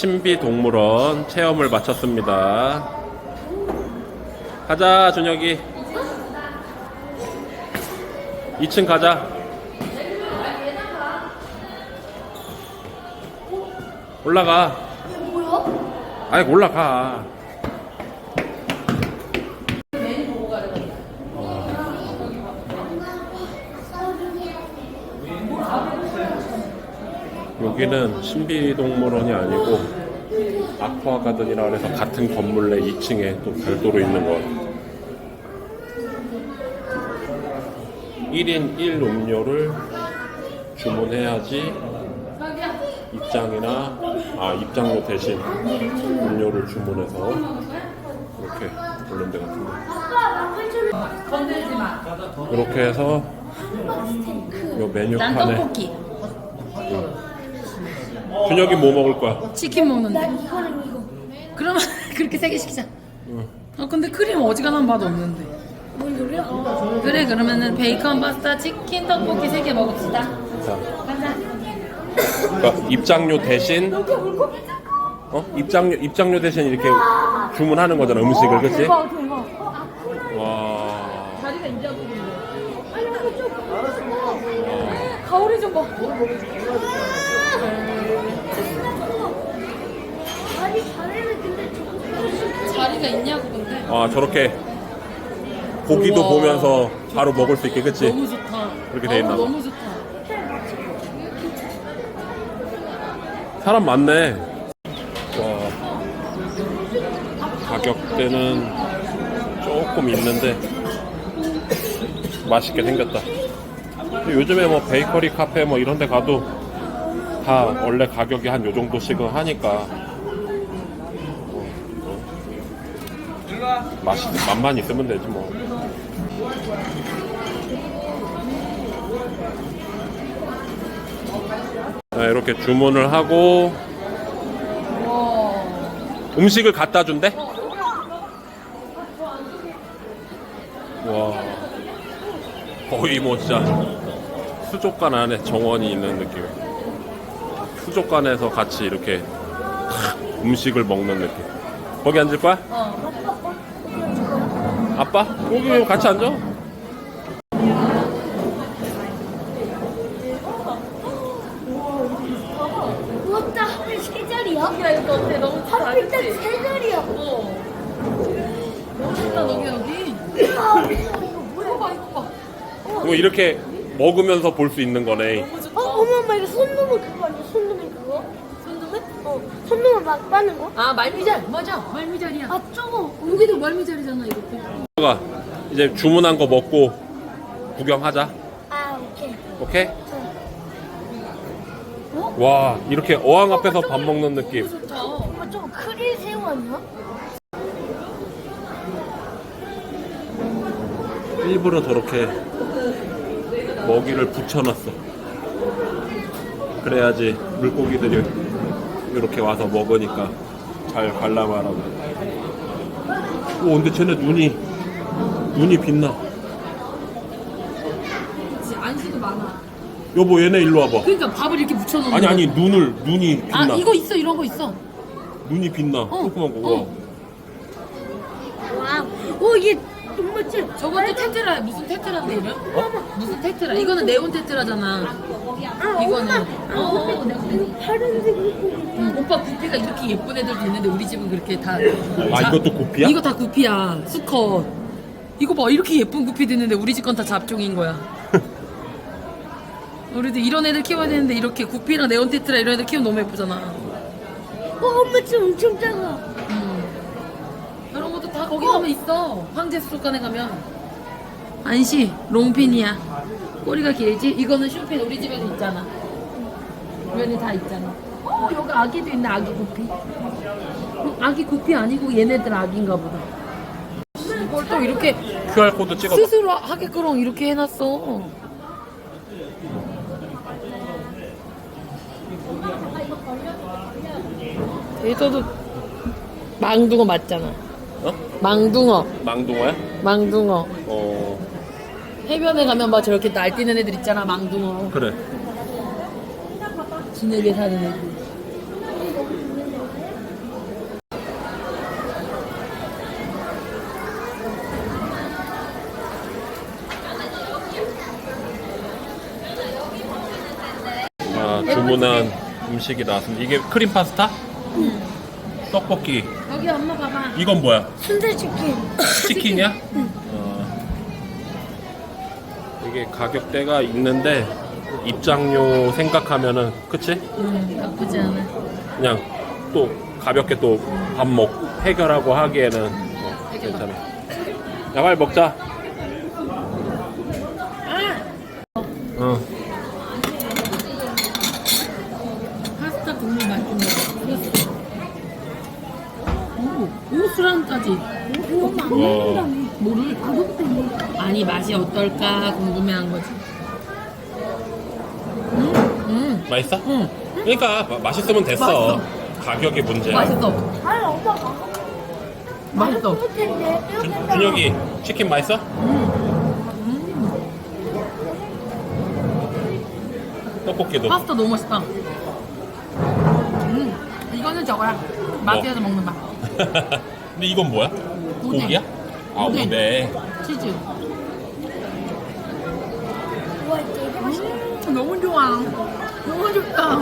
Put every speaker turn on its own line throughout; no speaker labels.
신비동물원 체험을 마쳤습니다. 가자, 준혁이. 2층 가자. 올라가. 아이, 올라가. 여기는 신비동물원이 아니고 아쿠아가든이라 해서 같은 건물 내 2층에 또 별도로 있는 거. 1인 1 음료를 주문해야지 입장료 대신 음료를 주문해서 이렇게 볼랜드 같은데 이렇게 해서 요 메뉴판에
난 떡볶이.
준혁이 뭐 먹을 거야?
치킨 먹는데. 그러면 그렇게 3개 시키자. 근데 크림 어지간한 맛 없는데.
뭔 소리야?
그래, 그러면은 베이컨 파스타 치킨 떡볶이 3개 먹읍시다.
자,
가자.
그러니까 입장료 대신 입장료 대신 이렇게 주문하는 거잖아, 음식을. 그치?
대박.
와.
자리가 인자고 있는데.
아니 이거 좀 가오리 좀 봐. 아니 자네는 근데
자리가 있냐고 근데.
저렇게 고기도
우와.
보면서 바로 먹을 수 있게, 그치?
너무 좋다.
그렇게 돼 있나 봐.
너무 좋다.
사람 많네. 와. 가격대는 조금 있는데 맛있게 생겼다. 근데 요즘에 뭐 베이커리 카페 뭐 이런 데 가도 다 원래 가격이 한 요 정도씩은 하니까 맛만 있으면 되지 뭐. 네, 이렇게 주문을 하고 음식을 갖다 준대? 와, 거의 뭐 진짜 수족관 안에 정원이 있는 느낌. 수족관에서 같이 이렇게 음식을 먹는 느낌. 거기 앉을 거야? 아빠? 여기 같이 앉아.
우왔다 하필 세 자리야?
야, 이거 어때? 너무 좋다.
하필 딱
그치?
세 자리야.
너무 좋다, 여기. 이거 봐.
이거 이렇게 먹으면서 볼 수 있는 거네.
엄마 이거 손놈은 그거 아니야? 손놈이 그거? 손놈은? 손놈은 막 빠는 거?
아, 말미잘. 맞아. 말미잘이야.
아 저거.
여기도 말미잘이잖아, 이렇게.
가 이제 주문한 거 먹고 구경하자.
아 오케이.
오케이? 와, 이렇게 어항 앞에서 밥 먹는 느낌.
좋다.
아 저거 크릴 새우 아니야?
일부러 저렇게 먹이를 붙여놨어. 그래야지 물고기들이 이렇게 와서 먹으니까 잘 관람하라고. 오, 근데 쟤네 눈이 빛나.
그치, 안시도 많아.
여보, 얘네 일로 와봐.
그러니까 밥을 이렇게 묻혀놓는
아니
거.
눈이 빛나.
아, 이거 있어. 이런 거 있어.
눈이 빛나. 조그만 거.
와우. 오 이게 정말 찐.
저것도 테트라. 무슨 테트라인데 이름? 무슨 테트라? 이거는 네온 테트라잖아. 이거는.
파란색 물고기.
오빠 구피가 이렇게 예쁜 애들도 있는데 우리 집은 그렇게 다.
이것도 구피야?
이거 다 구피야. 수컷. 이거 봐. 이렇게 예쁜 구피도 있는데 우리 집 건 다 잡종인 거야. 우리도 이런 애들 키워야 되는데 이렇게 구피랑 네온 테트라 이런 애들 키우면 너무 예쁘잖아.
엄마 집 엄청 작아.
이런 것도 다 거기 가면 있어. 황제 수족관에 가면. 안시 롱핀이야. 꼬리가 길지? 이거는 슈핀 우리 집에도 있잖아. 면이 다 있잖아. 여기 아기도 있네. 아기 구피. 아기 구피 아니고 얘네들 아기인가 보다. 이걸 또 이렇게
QR코드 찍어봐.
스스로 하게끔 이렇게 해놨어. 얘도 망둥어 맞잖아. 망둥어.
망둥어야?
망둥어. 해변에 가면 막 저렇게 날뛰는 애들 있잖아. 망둥어.
그래.
진흙에 사는 애들.
주문한 음식이 나왔습니다. 이게 크림 파스타? 떡볶이.
여기 엄마 봐봐.
이건 뭐야?
순대치킨.
치킨이야? 이게 가격대가 있는데 입장료 생각하면은 그치?
나쁘지 않아.
그냥 또 가볍게 또 밥 해결하고 하기에는 괜찮아. 야, 빨리 먹자. 응.
파스타 국물 맛있네. 오, 술안까지.
와.
뭐를? 아니 맛이 어떨까 궁금해한 거지.
맛있어?
응.
그러니까 맛있으면 됐어.
맛있어.
가격이 문제야.
맛있어.
아니 엄마가.
맛있어.
준혁이 치킨 맛있어? 떡볶이도.
파스타 너무 맛있다. 이거는 저거야. 마트에서 먹는 맛.
근데 이건 뭐야?
오뎅.
고기야? 아,
오뎅.
오뎅.
치즈.
와 되게 맛있어.
너무 좋아. 너무 좋다.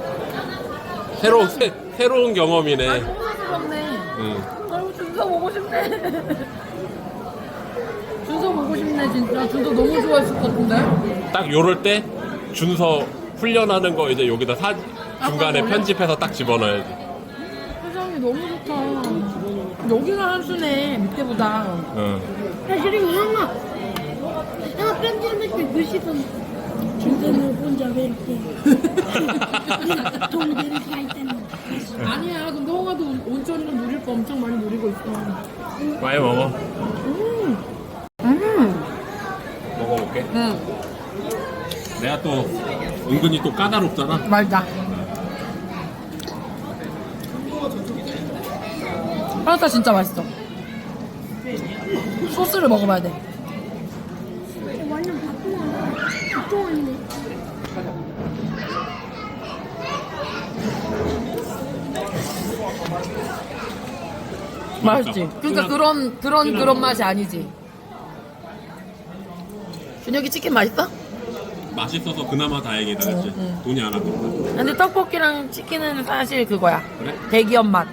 새로운 경험이네.
소스럽네.
응.
너무 준서 보고 싶네. 준서 보고 싶네 진짜. 준서 너무 좋아했을 것 같은데.
딱 요럴 때 준서 훈련하는 거 이제 여기다 중간에
그래?
편집해서 딱 집어넣어야지.
세상이 너무 좋다. 여기가 한수네 밑에보다.
응.
사실은 형아 편집할 때 글씨던 중간에 혼자 왜 이렇게 동대를 가 있다는.
아니야. 근데 홍아도 온천이랑 누릴 거 엄청 많이 누리고 있어.
많이 먹어. 먹어볼게.
응.
내가 또 은근히 또 까다롭잖아.
말다. 파스타 진짜 맛있어. 소스를 먹어봐야 돼.
완전 바쁘네.
맛있지? 그러니까 그런 맛이 아니지. 준혁이 치킨 맛있어?
맛있어서 그나마 다행이다, 그치? 돈이 안 아깝다.
근데 떡볶이랑 치킨은 사실 그거야.
그래?
대기업 맛.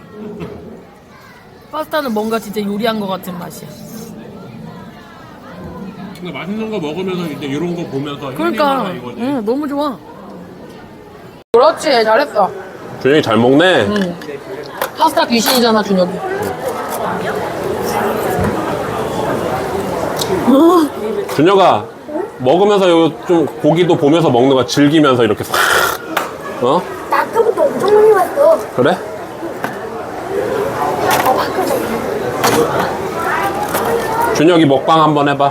파스타는 뭔가 진짜 요리한 것 같은 맛이야.
근데 맛있는 거 먹으면서 이제 이런 거 보면서
그러니까,
힐링하라 이거지.
응, 너무 좋아. 그렇지, 잘했어.
준혁이 잘 먹네.
응. 파스타 귀신이잖아, 준혁이.
준혁아, 먹으면서 좀 고기도 보면서 먹는 거 즐기면서 이렇게 싹. 어?
나 아까부터 엄청 많이 봤어.
그래? 준혁이 먹방 한번 해봐.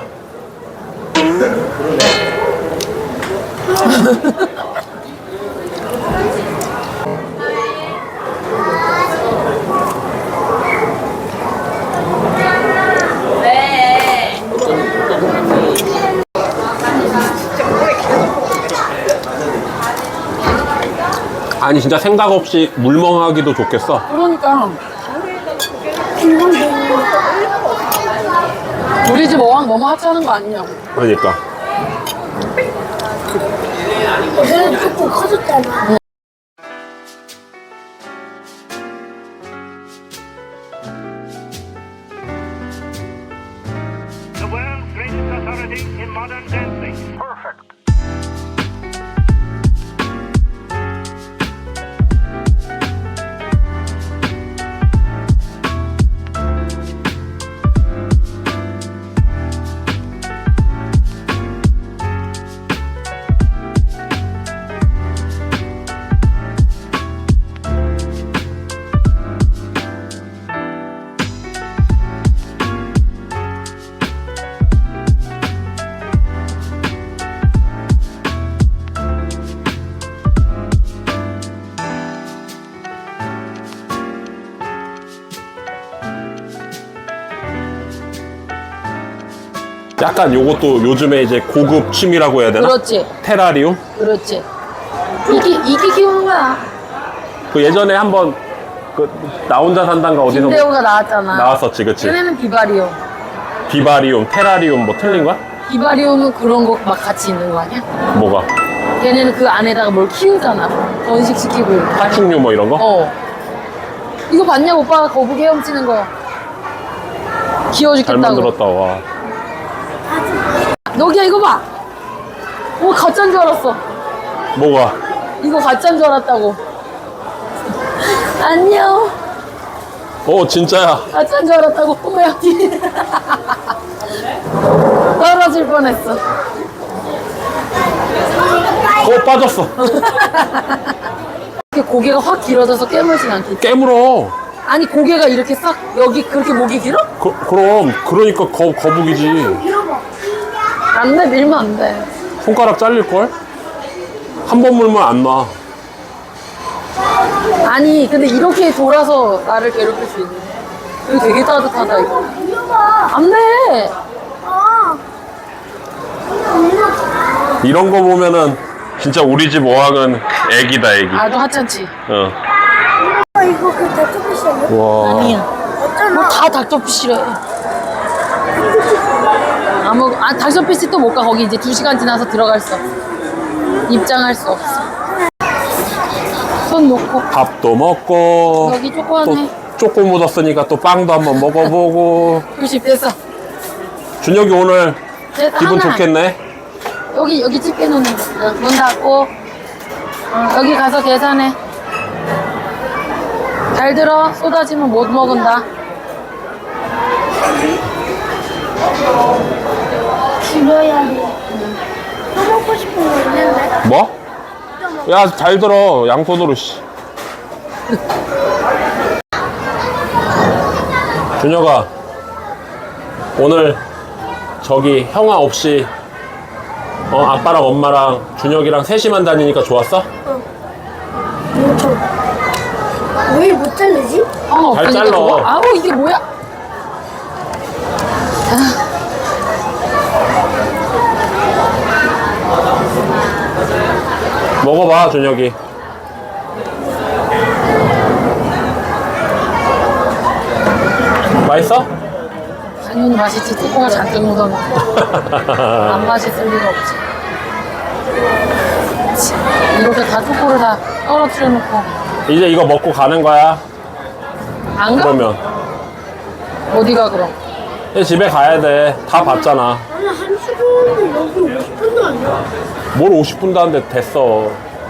아니 진짜 생각 없이 물멍하기도 좋겠어.
그러니까. 우리 집 어항 너무 하찮은 거 아니냐고.
그러니까.
걔는 조금 커졌잖아.
The world's greatest authority in modern dancing. Perfect.
약간 요것도 요즘에 이제 고급 취미라고 해야 되나?
그렇지.
테라리움?
그렇지. 이게 키우는 거야.
그 예전에 한번 그 나 혼자 산단가 어디서
김대호가 나왔잖아.
나왔었지, 그치?
얘네는 비바리움.
비바리움, 테라리움 뭐 틀린 거야?
비바리움은 그런 거 막 같이 있는 거 아니야?
뭐가?
걔네는 그 안에다가 뭘 키우잖아. 번식시키고 이렇게.
파충류 뭐 이런 거?
어. 이거 봤냐? 오빠가 거북이 헤엄치는 거. 귀여워
잘
죽겠다고.
만들었다. 와.
여기야, 이거 봐. 오, 가짜인 줄 알았어.
뭐가?
이거 가짜인 줄 알았다고. 안녕.
진짜야.
가짜인 줄 알았다고. 어머야. 떨어질 뻔했어.
빠졌어.
이렇게 고개가 확 길어져서 깨물진 않겠지.
깨물어.
아니, 고개가 이렇게 싹, 여기 그렇게 목이 길어?
그럼 그러니까 거북이지.
안 돼, 밀면 안 돼.
손가락 잘릴걸? 한 번 물면 안 나.
아니, 근데 이렇게 돌아서 나를 괴롭힐 수 있네. 이거 되게 따뜻하다, 이거. 안 돼!
이런 거 보면은 진짜 우리 집 어항은 애기다, 애기.
아주 하찮지.
어.
이거 그 닭토피시 아니야?
와.
아니야.
어쩌나?
뭐 다 닥터피 싫어해. 닥터피스 또 못 가. 거기 이제 2시간 지나서 들어갈 수 없어. 입장할 수 없어. 손 놓고.
밥도 먹고.
여기 조그만해.
또 쪼꼬 묻었으니까 또 빵도 한번 먹어보고.
90 됐어.
준혁이 오늘
됐어,
기분
하나.
좋겠네.
여기 집게 놓는 거. 문 닫고. 여기 가서 계산해. 잘 들어. 쏟아지면 못 먹은다.
줄여야 돼. 또 먹고 싶은 거 있는데?
뭐? 야, 잘 들어. 양손으로, 씨. 준혁아, 오늘 저기 형아 없이 아빠랑 엄마랑 준혁이랑 셋이만 다니니까 좋았어?
왜 못 자르지?
잘 잘라.
좋아. 아우, 이게 뭐야?
먹어봐, 준혁이. 맛있어?
당연히 맛있지. 뚜껑을 잔뜩 묻어놓고. 안 맛있을 리가 없지. 이렇게 다 뚜껑을 다 떨어뜨려 놓고.
이제 이거 먹고 가는 거야.
안 가?
그러면.
어디가 그럼?
이제 집에 가야 돼. 다 봤잖아.
아니, 한 시간은 여기 50분도 아니야.
뭘 50분도 안 돼. 됐어.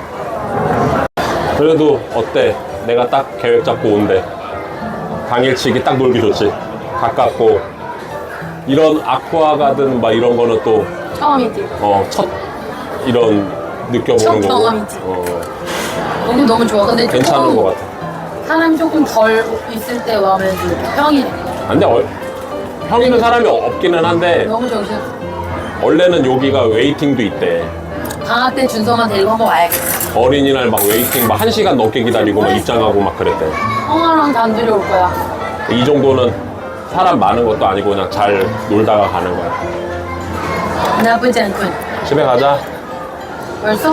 그래도 어때? 내가 딱 계획 잡고 온대. 당일치기 딱 놀기 좋지. 가깝고. 이런 아쿠아가든 막 이런 거는 또,
처음이지.
첫 이런 느껴보는
첫
거고.
경험이지. 너무 좋아. 근데
괜찮은
조금
것 같아.
사람이 조금 덜 있을 때 와면 평이래.
근데 형 있는 사람이 없기는 한데,
너무 정신없어.
원래는 여기가 웨이팅도 있대.
방학 때 준성아 데리고 한번 와야겠다.
어린이날 막 웨이팅 막 1시간 넘게 기다리고 막 입장하고 막 그랬대.
형아랑 단둘이 올 거야.
이 정도는 사람 많은 것도 아니고 그냥 잘 놀다가 가는 거야.
나쁘지 않군.
집에 가자.
벌써?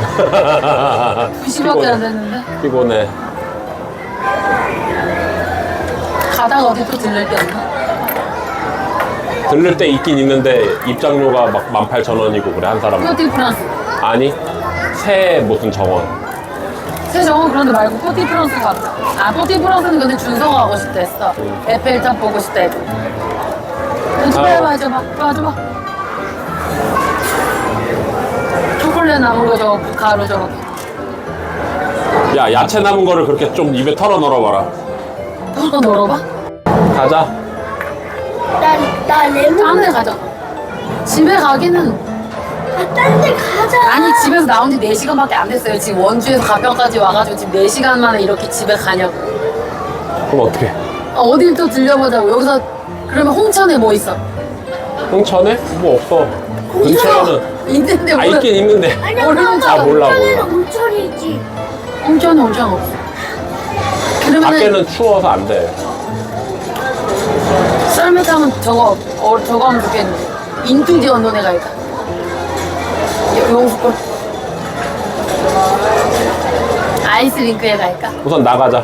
2시밖에 안 됐는데?
피곤해.
가다가 어디 또 들릴 게 없나?
들를 때 있긴 있는데 입장료가 막 18,000원이고 그래, 한 사람.
뽀티 프랑스.
아니, 새 무슨 정원.
새 정원 그런 데 말고 뽀티 프랑스 가자. 뽀티 프랑스는 근데 준성아 가고 싶다 했어. 에펠탑 보고 싶다 해도. 빨리 와줘봐. 와줘봐. 초콜릿 남은 거 저거 가루 저거.
야, 야채 남은 거를 그렇게 좀 입에 털어 넣어봐라.
털어 넣어봐.
가자.
나 레몬.
딴 데 가자. 집에 가기는.
딴 데 가자.
아니 집에서 나온 지 4시간밖에 안 됐어요. 지금 원주에서 가평까지 와가지고 지금 4시간 만에 이렇게 집에 가냐고.
그럼 어떡해?
어딜 또 들려보자고. 여기서 그러면 홍천에 뭐 있어?
홍천에? 뭐 없어. 근처에는.
있는데
아, 있긴 있는데.
아니야,
모르는
엄마,
아, 몰라,
온천에는
몰라.
온천이지.
홍천에 온천 없어. 그러면은
밖에는 추워서 안 돼.
썰매 타면 저거 하면 좋겠는데. 인투디 언론에 갈까? 용수골. 아이스링크에 갈까?
우선 나가자.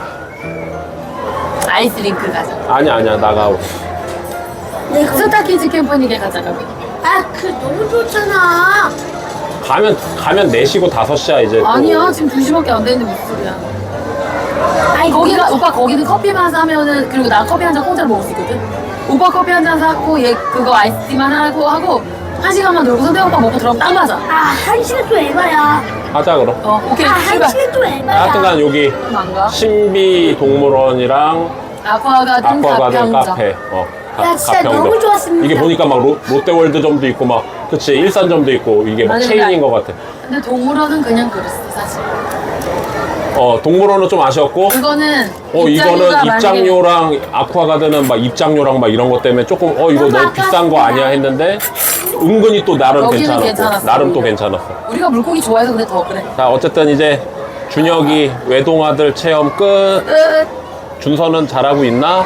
아이스링크 가자.
아니야, 나가고.
스타키즈 캠퍼닉에 가자, 가면.
아, 그 너무 좋잖아.
가면 4시고 5시야 이제. 또.
아니야 지금 2시밖에 안 되는데 무슨 소리야. 아니 거기가 오빠 거기는 커피만 사면은 그리고 나 커피 한 잔 공짜로 먹을 수 있거든. 오빠 커피 한 잔 사고 얘 그거 아이스티만 하고 1시간만 놀고서 내 오빠 먹고 들어가면 딱 맞아.
아, 1시간 또 에바야.
하자 그럼.
오케이
아,
출발.
1시간 또 에바야.
하여튼간 여기
안 가?
신비 동물원이랑
아쿠아가든
아쿠아가든
가평점.
카페.
야, 진짜
가평점.
너무 좋았습니다.
이게 보니까 막 롯데월드점도 있고 막 그치 일산점도 있고 이게 막
아니,
체인인 것 같아.
근데 동물원은 그냥 그랬어 사실.
동물원은 좀 아쉬웠고.
그거는
이거는
입장료가 만약에
입장료랑 아쿠아가든은 막 입장료랑 막 이런 것 때문에 조금 이거 너무 비싼 거 아니야 했는데 은근히 또 나름
여기는
괜찮았고
괜찮았어,
나름 또
오히려.
괜찮았어.
우리가 물고기 좋아해서 근데 더 그래.
자 어쨌든 이제 준혁이 외동아들 체험 끝.
끝.
준서는 잘하고 있나?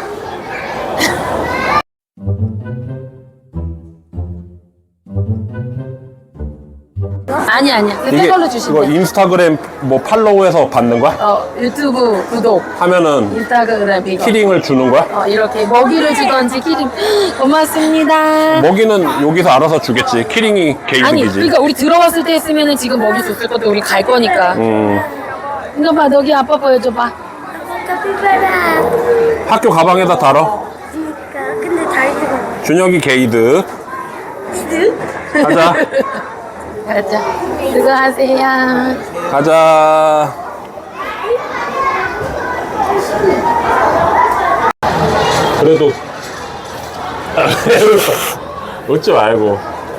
아니야. 그새 걸로
이거
주시면 돼.
인스타그램 뭐 팔로우해서 받는 거야?
유튜브 구독,
하면은
인스타그램 이거.
키링을 주는 거야?
이렇게 먹이를 주던지 키링. 고맙습니다.
먹이는 여기서 알아서 주겠지. 키링이
아니,
개이득이지.
그러니까 우리 들어왔을 때 했으면은 지금 먹이 줬을 건데 우리 갈 거니까. 이거 봐, 너기 아빠 보여줘봐.
카피바라.
학교 가방에다 달어.
그러니까. 근데 잘 들어.
준혁이 게이득. 가자.
가자. 수고하세요.
가자. 그래도 웃지 말고.